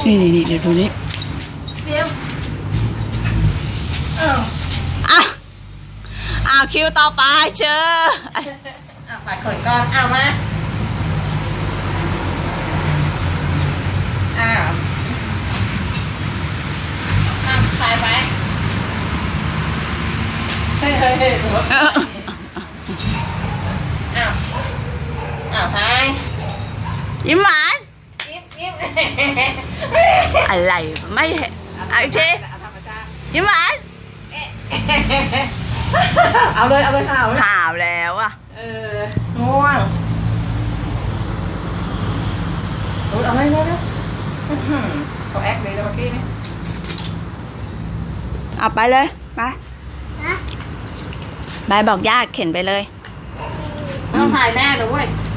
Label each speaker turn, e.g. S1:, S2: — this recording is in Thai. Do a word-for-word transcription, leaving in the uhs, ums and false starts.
S1: นี่นี่นี่เดี๋ยวดูนี้
S2: เดี๋ยวเออ
S1: อ่ะอ้าวคิวต่อไปเชิญ
S2: เอาปัดขนก่อนเอามาอ้าวอ้าวใส่ไปเฮ้ยเฮ้ยเฮ้ยหัวอ้าวอ้าวไป
S1: ยิ้มหวาน
S2: ยิ้มยิ้ม
S1: อะไรไม่เห็นไอ้เชยิ้มหวาน
S2: เอาเลยเอาเลยข่าว
S1: ข่าวแล้วอ่ะ
S2: เออง่วงเอาเลยเลยเลยเขาแอคเลยแล้วเมื่อกี้นี่
S1: เอาไปเลยไปไปบอกญาติเข็นไปเลย
S2: ต้องถ่ายแม่ด้วย